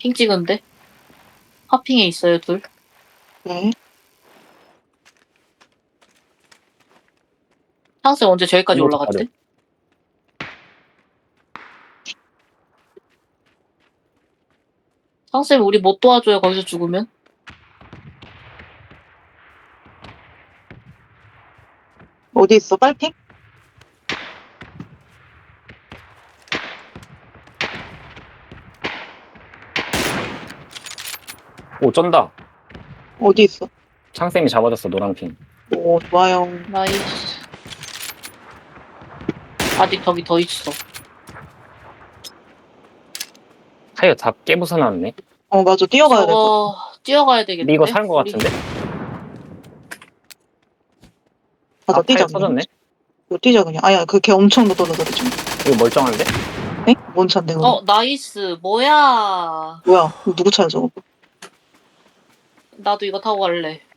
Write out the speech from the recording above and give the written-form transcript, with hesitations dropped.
핑 찍은데? 하핑에 있어요, 둘. 네. 상승 언제 저기까지 이거 올라갔대? 상승 우리 못 도와줘요, 거기서 죽으면? 어디 있어? 빨핑? 오, 쩐다. 어디 있어? 창쌤이 잡아줬어, 노랑핑. 오, 좋아요. 나이스. 아직 저기 더 있어. 타이어 다 깨부숴 놨네. 맞아. 뛰어가야 될 것 저거 뛰어가야 되겠는데? 근데 이거 사는 거 우리 같은데? 같아. 맞아, 뛰자. 타이어 터졌네? 이거 뛰자, 그냥. 아야, 걔 엄청 떨어져, 지금. 이거 멀쩡한데? 에? 뭔 차인데, 그거? 나이스. 뭐야. 뭐야, 이거 누구 차야, 저거? 나도 이거 타고 갈래.